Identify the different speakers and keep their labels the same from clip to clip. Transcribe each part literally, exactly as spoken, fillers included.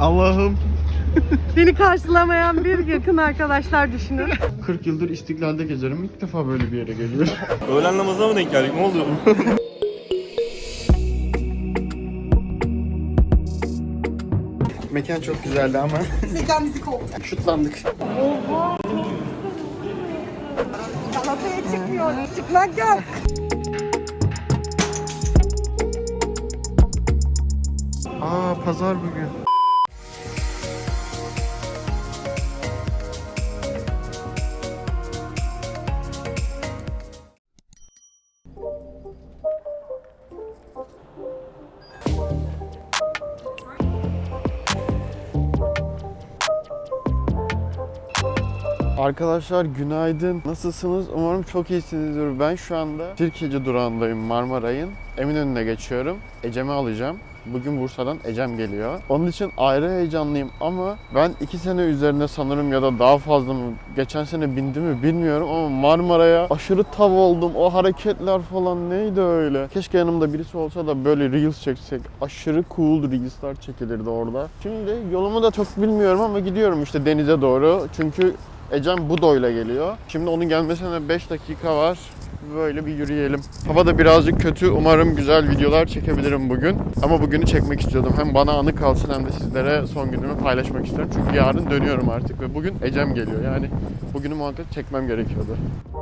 Speaker 1: Allah'ım.
Speaker 2: Beni karşılamayan bir yakın arkadaşlar düşünün.
Speaker 1: kırk yıldır İstiklal'de gezerim. İlk defa böyle bir yere geliyorum.
Speaker 3: Öğlen namazına mı denk geldik? Ne oluyor?
Speaker 1: Mekan çok güzeldi ama
Speaker 2: Mekan müzik oldu.
Speaker 1: şutlandık.
Speaker 2: Galata'ya çıkmıyor. Çıkmak yok.
Speaker 1: Aa, pazar bugün. Arkadaşlar günaydın. Nasılsınız? Umarım çok iyisinizdir. Ben şu anda Sirkeci durağındayım, Marmaray'ın. Eminönü'ne geçiyorum. Ecem'i alacağım. Bugün Bursa'dan Ecem geliyor. Onun için ayrı heyecanlıyım ama ben iki sene üzerine sanırım ya da daha fazla mı, geçen sene bindim mi bilmiyorum ama Marmaray'a aşırı tav oldum. O hareketler falan neydi öyle? Keşke yanımda birisi olsa da böyle reels çeksek. Aşırı cool reels'lar çekilirdi orada. Şimdi yolumu da çok bilmiyorum ama gidiyorum işte denize doğru. Çünkü Ecem Budo'yla geliyor. Şimdi onun gelmesine beş dakika var. Böyle bir yürüyelim. Hava da birazcık kötü. Umarım güzel videolar çekebilirim bugün. Ama bugünü çekmek istiyordum. Hem bana anı kalsın hem de sizlere son günümü paylaşmak istiyorum. Çünkü yarın dönüyorum artık ve bugün Ecem geliyor. Yani bugünü muhakkak çekmem gerekiyordu.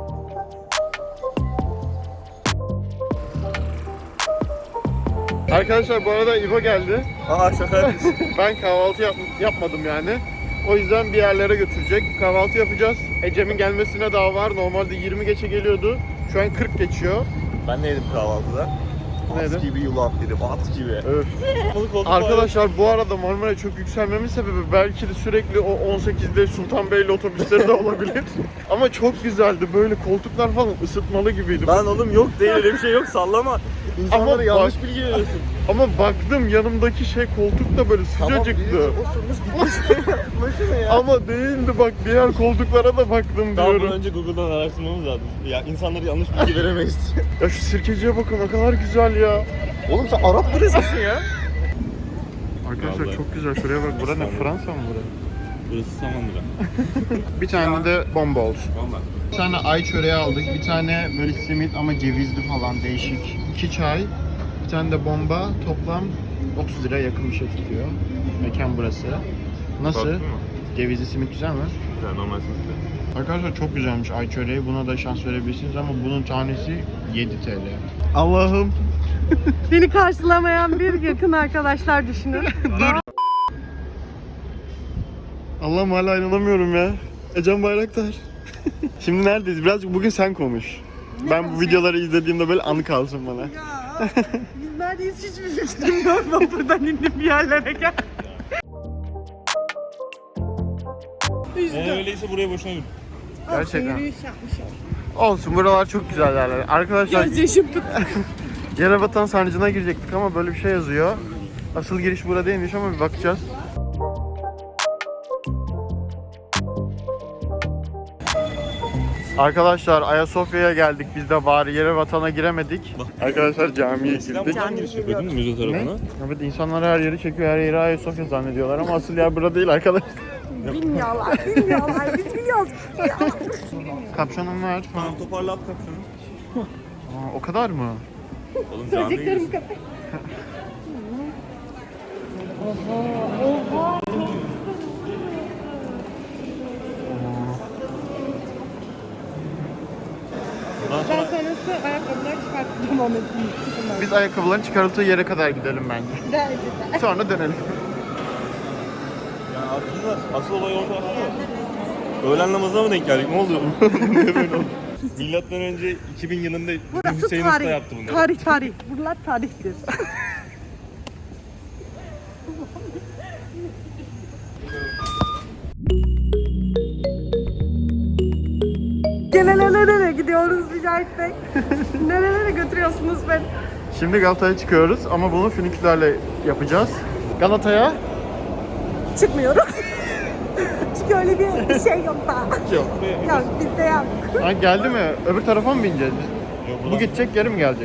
Speaker 1: Arkadaşlar bu arada İbo geldi.
Speaker 3: Aa şaka.
Speaker 1: Ben kahvaltı yap yapmadım yani. O yüzden bir yerlere götürecek. Kahvaltı yapacağız. Ecem'in gelmesine daha var. Normalde yirmi geçe geliyordu. Şu an kırk geçiyor.
Speaker 3: Ben ne yedim kahvaltıda?
Speaker 1: Ne yedin?
Speaker 3: At gibi yulaf yedim, at gibi.
Speaker 1: Öf. Arkadaşlar bu arada Marmara'ya çok yükselmemin sebebi belki de sürekli o on sekizde Sultanbeyli otobüsleri de olabilir. Ama çok güzeldi. Böyle koltuklar falan ısıtmalı gibiydi.
Speaker 3: Lan oğlum yok değil, öyle bir şey yok, sallama. İnsanlara
Speaker 1: Ama
Speaker 3: yanlış
Speaker 1: bak-
Speaker 3: bilgi veriyorsun.
Speaker 1: Ama baktım yanımdaki şey koltuk da böyle sıcacıktı.
Speaker 3: osurmuş gitmiş. Başına ya.
Speaker 1: Ama değildi bak, diğer koltuklara da baktım
Speaker 3: Daha
Speaker 1: diyorum.
Speaker 3: bunu önce Google'dan araştırmamız lazım. Ya insanlara yanlış bilgi veremeyiz.
Speaker 1: Ya şu Sirkeci'ye bakın ne kadar güzel ya.
Speaker 3: Oğlum sen Arap turizmisin ya.
Speaker 1: Arkadaşlar
Speaker 3: Vallahi.
Speaker 1: çok güzel. Şuraya bak. Bura ne? Fransa mı bura?
Speaker 3: Burası Samandıra.
Speaker 1: Bir tane de bomba olsun.
Speaker 3: Valla.
Speaker 1: Bir tane ay çöreği aldık. Bir tane böyle simit ama cevizli falan değişik. İki çay. Bir tane de bomba. Toplam otuz lira yakın bir şey tutuyor. Mekan burası. Nasıl?
Speaker 3: Baktın mı?
Speaker 1: Cevizli simit güzel mi?
Speaker 3: Güzel, normal sınıfta.
Speaker 1: Arkadaşlar çok güzelmiş ay çöreği. Buna da şans verebilirsiniz ama bunun tanesi yedi TL. Allah'ım.
Speaker 2: Beni karşılamayan bir yakın arkadaşlar düşünün.
Speaker 1: Dur. Allah'ım hala inanamıyorum ya. Ecem Bayraktar. Şimdi neredeyiz? Birazcık bugün sen konuş.
Speaker 2: Ne
Speaker 1: ben bu
Speaker 2: konuşayım?
Speaker 1: videoları izlediğimde böyle anı kalsın bana.
Speaker 2: Ya biz neredeyiz hiçbir fikrim yok. Ben buradan indim bir yerlere gel.
Speaker 3: Eğer öyleyse buraya boşuna yürü.
Speaker 1: Gerçekten.
Speaker 2: Yürüyüş yapmışım.
Speaker 1: Olsun, buralar çok güzel yerler. Arkadaşlar
Speaker 2: Gözyaşım tut.
Speaker 1: Yerebatan Sarnıcı'na girecektik ama böyle bir şey yazıyor. Asıl giriş burada değilmiş ama bir bakacağız. Arkadaşlar Ayasofya'ya geldik biz de, bari Yerebatan'a giremedik. Arkadaşlar camiye girdik.
Speaker 3: Buradan giriş yapıyor değil mi müze
Speaker 1: Ne?
Speaker 3: tarafına?
Speaker 1: Evet, insanlar her yeri çekiyor, her yeri Ayasofya zannediyorlar ama asıl yer burada değil arkadaşlar.
Speaker 2: Bilmiyorlar, bilmiyorlar. Biz biliyoruz.
Speaker 1: Kapşonum var.
Speaker 3: Tamam, toparla at kapşonu.
Speaker 1: Aa, o kadar mı?
Speaker 3: Oğlum camiye
Speaker 2: Söyleyeceklerim
Speaker 3: giriyorsun.
Speaker 2: kadar. Oha, oha.
Speaker 3: Ondan
Speaker 2: Ben
Speaker 3: sonra
Speaker 2: sonrası ayakkabıları çıkartıp devam ettim.
Speaker 1: Biz ayakkabıların çıkarıldığı yere kadar gidelim bence.
Speaker 2: Bence de.
Speaker 1: Sonra dönelim.
Speaker 3: yani aslında asıl olay orada aslında. Öğlen namazına mı denk geldik? Ne oldu? Niye böyle oldu? Milattan önce iki bin yılında
Speaker 2: Burası
Speaker 3: Hüseyin Usta
Speaker 2: tarih.
Speaker 3: yaptı bunları.
Speaker 2: Tarih, tarih. Buralar tarihtir. Gene nerelere gidiyoruz Mücahit Bey? Nerelere götürüyorsunuz beni?
Speaker 1: Şimdi Galata'ya çıkıyoruz ama bunu fünikülerle yapacağız. Galata'ya
Speaker 2: Çıkmıyoruz. Çünkü öyle bir şey yok daha.
Speaker 1: yok.
Speaker 2: Yok bizde yok.
Speaker 1: Ha, geldi mi? Öbür tarafa mı bineceğiz biz?
Speaker 3: Yok,
Speaker 1: Bu
Speaker 3: buradan-
Speaker 1: gidecek, geri mi gelecek?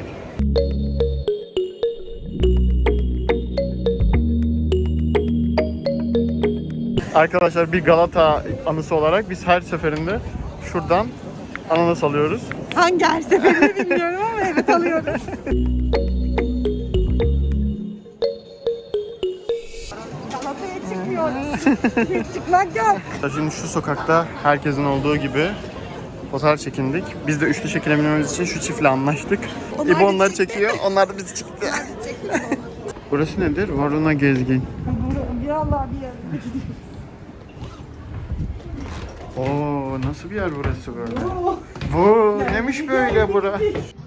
Speaker 1: Arkadaşlar bir Galata anısı olarak biz her seferinde şuradan ananas alıyoruz.
Speaker 2: Hangi her seferinde bilmiyorum ama evet alıyoruz. Galata'ya çıkmıyoruz. Hiç çıkmak yok.
Speaker 1: Şimdi şu sokakta herkesin olduğu gibi fotoğraf çekindik. Biz de üçlü çekilebilmemiz için şu çiftle anlaştık.
Speaker 2: Onlar
Speaker 1: İbo
Speaker 2: da
Speaker 1: onları
Speaker 2: çekti.
Speaker 1: çekiyor, onlar da bizi çekti. Burası nedir? Varuna Gezgin.
Speaker 2: Bir Allah bir yer.
Speaker 1: Oo, nasıl bir yer burası böyle? Bu neymiş böyle bura?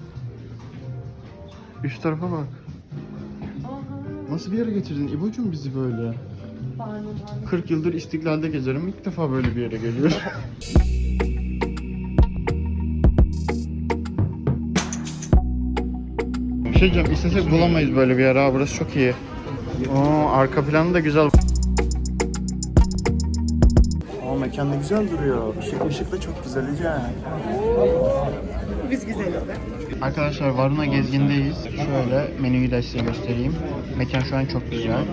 Speaker 1: Üst tarafa bak. Nasıl bir yere getirdin İbo'cum bizi böyle? kırk yıldır İstiklal'de gezerim. İlk defa böyle bir yere geliyorum. Bir şey diyeceğim, istesek bulamayız böyle bir yer ha. Burası çok iyi. Oo, arka planı da güzel. Aa, mekan da güzel duruyor. Işık ışık da çok güzel yani.
Speaker 2: Biz güzeliz.
Speaker 1: Arkadaşlar Varuna Gezgin'deyiz. Şöyle menüyü de size göstereyim. Mekan şu an çok güzel.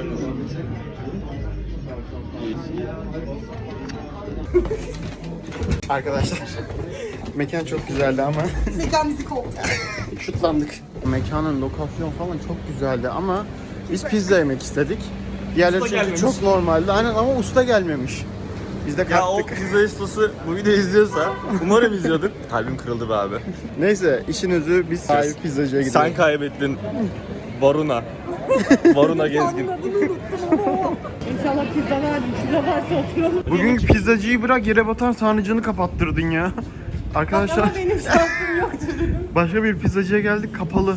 Speaker 1: Arkadaşlar mekan çok güzeldi ama
Speaker 2: Mekan bizi kovdu.
Speaker 1: şutlandık. Mekanın lokasyon falan çok güzeldi ama biz pizza yemek istedik. Diğerleri çünkü
Speaker 3: gelmemiş.
Speaker 1: çok normaldi. Aynen ama usta gelmemiş. Biz de
Speaker 3: Ya o
Speaker 1: kalktık.
Speaker 3: pizza ustası bu videoyu izliyorsa umarım izliyordur. Kalbim kırıldı be abi.
Speaker 1: Neyse işin özü biz sahibi pizzacıya gidelim.
Speaker 3: Sen kaybettin. Varuna. Varuna Gezgin.
Speaker 2: İnşallah pizza verdim. Pizza varsa oturalım.
Speaker 1: Bugün pizzacıyı bırak yere batan sarnıcını kapattırdın ya. Arkadaşlar
Speaker 2: Ama benim şansım yoktu dedim.
Speaker 1: başka bir pizzacıya geldik kapalı.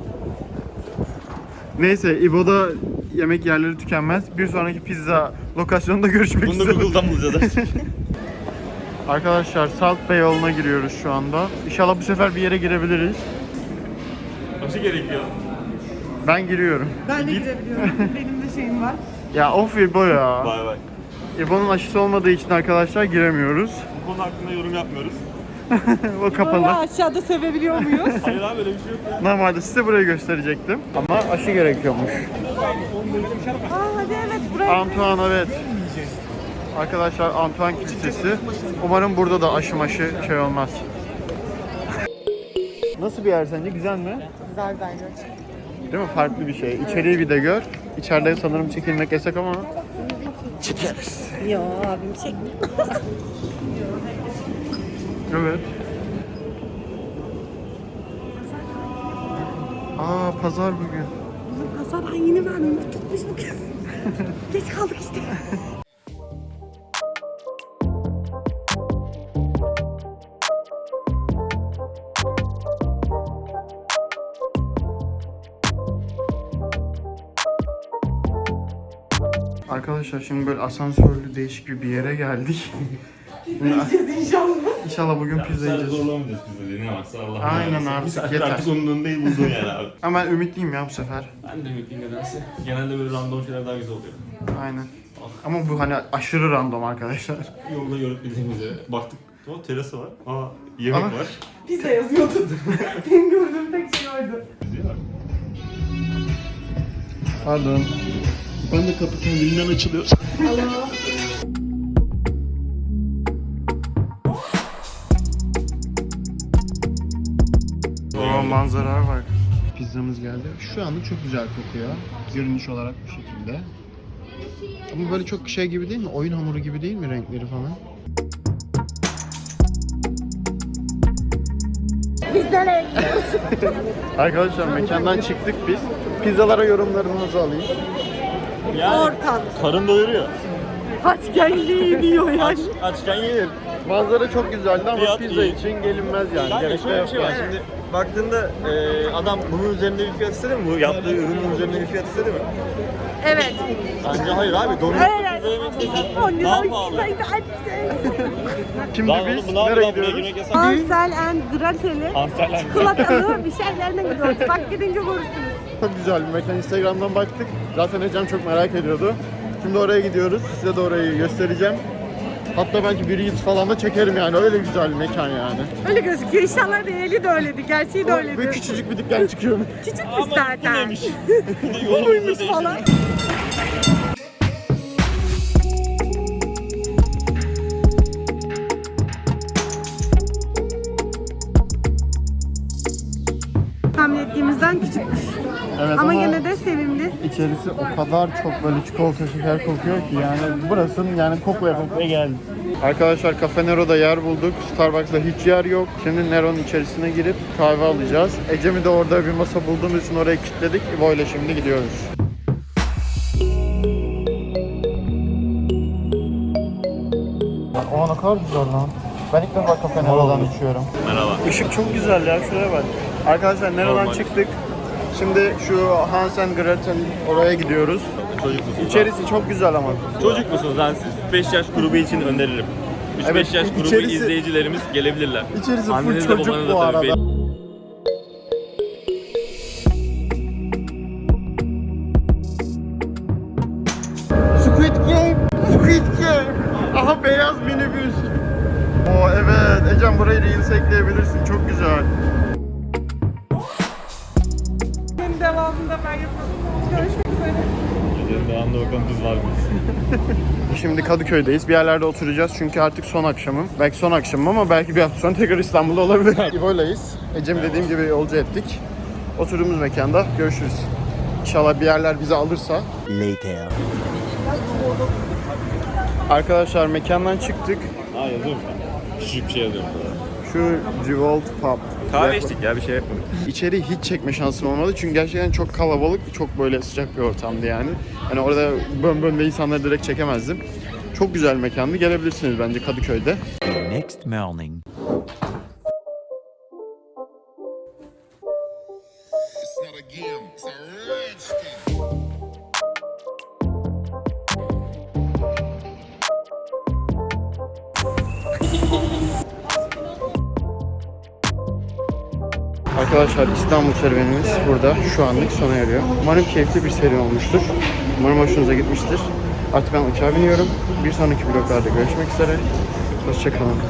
Speaker 1: Neyse İbo'da yemek yerleri tükenmez. Bir sonraki pizza lokasyonunda görüşmek
Speaker 3: Bunu da
Speaker 1: üzere.
Speaker 3: Google'dan bulacağız.
Speaker 1: Arkadaşlar Salt Bay yoluna giriyoruz şu anda. İnşallah bu sefer bir yere girebiliriz.
Speaker 3: Aşı gerekiyor.
Speaker 1: Ben giriyorum.
Speaker 2: Ben de gidebiliyorum. Benim de şeyim var.
Speaker 1: Ya of İbo ya.
Speaker 3: Vay vay.
Speaker 1: İbo'nun aşısı olmadığı için arkadaşlar giremiyoruz.
Speaker 3: Bu konu hakkında yorum yapmıyoruz.
Speaker 1: O
Speaker 2: Böyle
Speaker 1: kapalı.
Speaker 2: aşağıda sevebiliyor muyuz?
Speaker 3: Hayır abi öyle bir şey yok ya.
Speaker 1: Normalde size burayı gösterecektim. Ama aşı gerekiyormuş.
Speaker 2: Aa hadi evet buraya.
Speaker 1: Antoine evet. Arkadaşlar Antoine Kilisesi. Umarım burada da aşı maşı şey olmaz. Nasıl bir yer sence? Güzel mi?
Speaker 2: Güzel bence.
Speaker 1: Değil mi? Farklı bir şey. İçeriği bir de gör. İçeride sanırım çekilmek yasak ama çekeriz.
Speaker 2: Yo abim çekmiyor.
Speaker 1: Evet. Aa pazar bugün.
Speaker 2: Hasan yeni verdim. Tutmuş bugün. Geç kaldık işte.
Speaker 1: Arkadaşlar şimdi böyle asansörlü değişik bir yere geldik.
Speaker 2: Yiyeceğiz inşallah.
Speaker 1: İnşallah bugün pizza yiyeceğiz.
Speaker 3: Zorlamayacağız pizza dediğine baksa Allah.
Speaker 1: Aynen abi,
Speaker 3: Bir saat
Speaker 1: yeter.
Speaker 3: artık onun değil bulduğun yani abi.
Speaker 1: Ama ben ümitliyim ya bu sefer.
Speaker 3: Ben de ümitliyim nedense. Genelde böyle random şeyler daha güzel oluyor.
Speaker 1: Aynen. Ama bu hani aşırı random arkadaşlar.
Speaker 3: Yolda görüp bildiğimiz yere baktık. O terası var. Aa yemek
Speaker 1: Aa.
Speaker 3: var.
Speaker 2: Pizza yazıyordu. Benim gördüğüm tek şey oydu.
Speaker 1: Pardon. Ben de kapı kendiliğinden açılıyor. Oo manzara var. Pizzamız geldi. Şu anda çok güzel kokuyor. Görünüş olarak bu şekilde. Ama böyle çok şey gibi değil mi? Oyun hamuru gibi değil mi renkleri falan?
Speaker 2: Biz nereye
Speaker 1: Arkadaşlar mekandan çıktık biz. Pizzalara yorumlarınızı alayım.
Speaker 3: Yani
Speaker 2: Ortam.
Speaker 3: karın doyuruyor.
Speaker 2: Aç geldi diyor ya.
Speaker 3: Aç, açken yenir.
Speaker 1: Manzara çok güzeldi ama
Speaker 3: Fiyat
Speaker 1: pizza
Speaker 3: iyi.
Speaker 1: için gelinmez yani.
Speaker 3: Yani
Speaker 1: Gerek de
Speaker 3: şöyle bir
Speaker 1: yok
Speaker 3: şey var
Speaker 1: yani.
Speaker 3: şimdi baktığında e, adam bunun üzerinde bir fiyat istedi mi? Bu yaptığı ürünün üzerinde bir fiyat istedi mi?
Speaker 2: Evet.
Speaker 3: Bence hayır abi. Donuk
Speaker 2: Evet.
Speaker 3: pizza yemek istesen
Speaker 2: on
Speaker 3: daha
Speaker 2: lira
Speaker 3: pahalı.
Speaker 2: pizzaydı açtı.
Speaker 1: Şimdi
Speaker 3: Lan oğlum
Speaker 1: biz
Speaker 3: bu ne yapıyor
Speaker 1: nereye
Speaker 3: lan? Buraya
Speaker 1: gidiyoruz?
Speaker 3: girmek yasak.
Speaker 2: Ansel and Gretel'i
Speaker 3: Antalya.
Speaker 2: çikolatalı bir şeylerine gidiyoruz. Bak gidince görürsünüz.
Speaker 1: Çok güzel bir mekan. Instagram'dan baktık. Zaten Ecem çok merak ediyordu. Şimdi oraya gidiyoruz. Size de orayı göstereceğim. Hatta belki bir Reels falan da çekerim yani. Öyle güzel bir mekan yani.
Speaker 2: Öyle gözüküyor. İnşallah reali de öyleydi. Gerçeği de
Speaker 1: Böyle
Speaker 2: öyleydi.
Speaker 1: küçücük bir dükkan çıkıyor.
Speaker 2: Küçükmüş zaten.
Speaker 3: Yolumuzu
Speaker 2: Buymuş falan.
Speaker 1: Evet,
Speaker 2: ama,
Speaker 1: ama
Speaker 2: gene de sevimli.
Speaker 1: İçerisi o kadar çok böyle çikolata şeker kokuyor ki yani burasının yani koklaya koklaya geldi. Arkadaşlar Cafe Nero'da yer bulduk. Starbucks'ta hiç yer yok. Şimdi Nero'nun içerisine girip kahve alacağız. Ecem'i de orada bir masa bulduğumuz için oraya kilitledik. İbo ile şimdi gidiyoruz. O ne kadar güzel lan. Ben ilk defa Cafe Nero'dan içiyorum.
Speaker 3: Merhaba.
Speaker 1: Işık çok güzel ya, şuraya bak. Arkadaşlar Nero'dan
Speaker 3: Normal.
Speaker 1: çıktık. Şimdi şu Hans and Gretel oraya gidiyoruz.
Speaker 3: Çocuk musunuz?
Speaker 1: İçerisi çok güzel ama.
Speaker 3: Çocuk musunuz lan siz? beş yaş grubu için öneririm. üç beş
Speaker 1: Evet,
Speaker 3: yaş grubu
Speaker 1: içerisi-
Speaker 3: izleyicilerimiz gelebilirler.
Speaker 1: İçerisi full
Speaker 3: Anneniz de
Speaker 1: çocuk
Speaker 3: babanız da
Speaker 1: bu
Speaker 3: tabii
Speaker 1: arada.
Speaker 3: belli.
Speaker 1: Squid Game! Squid Game! Aha beyaz minibüs. Oo evet, Ecem burayı Reels ekleyebilirsin. Çok güzel.
Speaker 2: Benim devamında ben yapalım. Görüşmek üzere.
Speaker 3: Gecenin devamında bakalım biz var mıyız?
Speaker 1: Şimdi Kadıköy'deyiz. Bir yerlerde oturacağız çünkü artık son akşamım. Belki son akşamım ama belki bir hafta sonra tekrar İstanbul'da olabilir. İbo'layız. Ecem'i dediğim gibi yolcu ettik. Oturduğumuz mekanda görüşürüz. İnşallah bir yerler bizi alırsa.
Speaker 4: Later.
Speaker 1: Arkadaşlar mekandan çıktık.
Speaker 3: Ha yazıyorum ben. Küçük bir şey yazıyorum.
Speaker 1: Şu Revolt Pub.
Speaker 3: Kahve içtik ya bir şey yapmadık.
Speaker 1: İçeri hiç çekme şansım olmadı çünkü gerçekten çok kalabalık, çok böyle sıcak bir ortamdı yani. Hani orada bön bön de insanları direkt çekemezdim. Çok güzel mekandı. Gelebilirsiniz bence Kadıköy'de.
Speaker 4: Next morning.
Speaker 5: It's not a game, it's a rich thing.
Speaker 1: Arkadaşlar İstanbul serüvenimiz burada şu anlık sona eriyor. Umarım keyifli bir seri olmuştur. Umarım hoşunuza gitmiştir. Artık ben uçağa biniyorum. Bir sonraki vloglarda görüşmek üzere. Hoşçakalın.